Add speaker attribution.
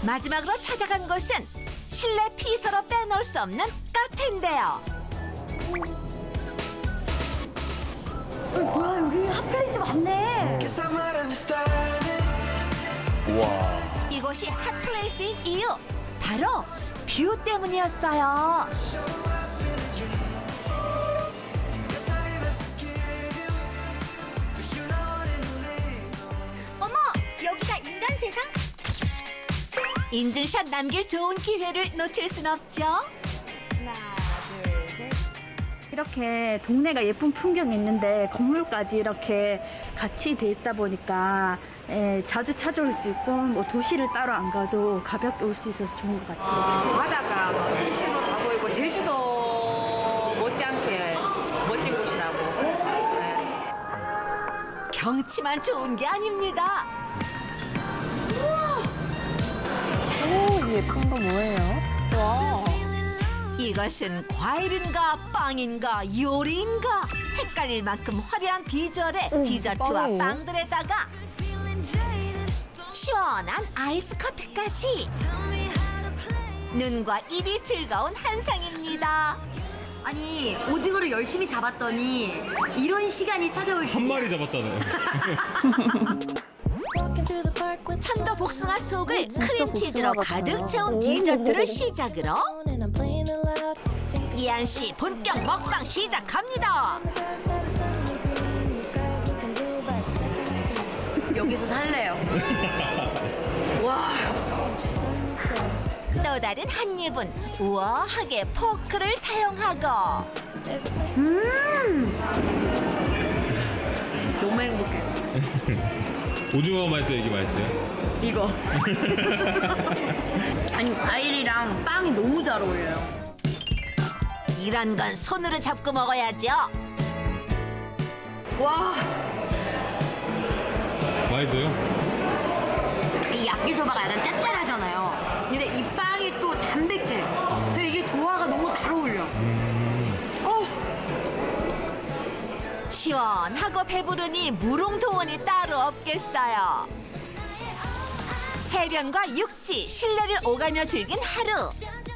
Speaker 1: 마지막으로 찾아간 곳은 실내 피서로 빼놓을 수 없는 카페인데요.
Speaker 2: 뭐야, 여기 핫플레이스 많네.
Speaker 3: 우와.
Speaker 1: 이곳이 핫플레이스인 이유, 바로 뷰 때문이었어요.
Speaker 2: 어머, 여기가 인간 세상?
Speaker 1: 인증샷 남길 좋은 기회를 놓칠 순 없죠.
Speaker 2: 하나, 둘, 셋. 이렇게 동네가 예쁜 풍경이 있는데 건물까지 이렇게 같이 돼 있다 보니까 자주 찾아올 수 있고 뭐 도시를 따로 안 가도 가볍게 올 수 있어서 좋은 것 같아요.
Speaker 4: 바다가 막 통째로 다 보이고 제주도 못지않게 멋진 곳이라고 그래서
Speaker 1: 경치만 좋은 게 아닙니다.
Speaker 5: 오, 이 예쁜 거 뭐예요? 와.
Speaker 1: 이것은 과일인가 빵인가 요리인가 헷갈릴 만큼 화려한 비주얼의 디저트와
Speaker 5: 빵이에요?
Speaker 1: 빵들에다가 시원한 아이스 커피까지 눈과 입이 즐거운 한상입니다.
Speaker 6: 아니 오징어를 열심히 잡았더니 이런 시간이 찾아올
Speaker 3: 한
Speaker 6: 줄이야.
Speaker 3: 마리 잡았잖아요.
Speaker 1: 천도 복숭아 속을
Speaker 5: 진짜
Speaker 1: 크림치즈로
Speaker 5: 복숭아 같아요.
Speaker 1: 가득 채운
Speaker 5: 오.
Speaker 1: 디저트를 시작으로 이한 씨 본격 먹방 시작합니다.
Speaker 6: 여기서 살래요. 와.
Speaker 1: 또 다른 한 입은 우아하게 포크를 사용하고
Speaker 6: 너무 행복해.
Speaker 3: 오징어 맛있어요, 이게 맛있어요?
Speaker 6: 이거. 아니 과일이랑 빵이 너무 잘 어울려요.
Speaker 1: 이런 건 손으로 잡고 먹어야죠.
Speaker 6: 와.
Speaker 3: 맛있어요?
Speaker 6: 이 야끼소바가 약간 짭짤하잖아요. 근데 이 빵이 또 담백해. 근데 이게 조화가 너무 잘 어울려.
Speaker 1: 시원하고 배부르니 무롱도원이 따로 없겠어요. 해변과 육지, 실내를 오가며 즐긴 하루.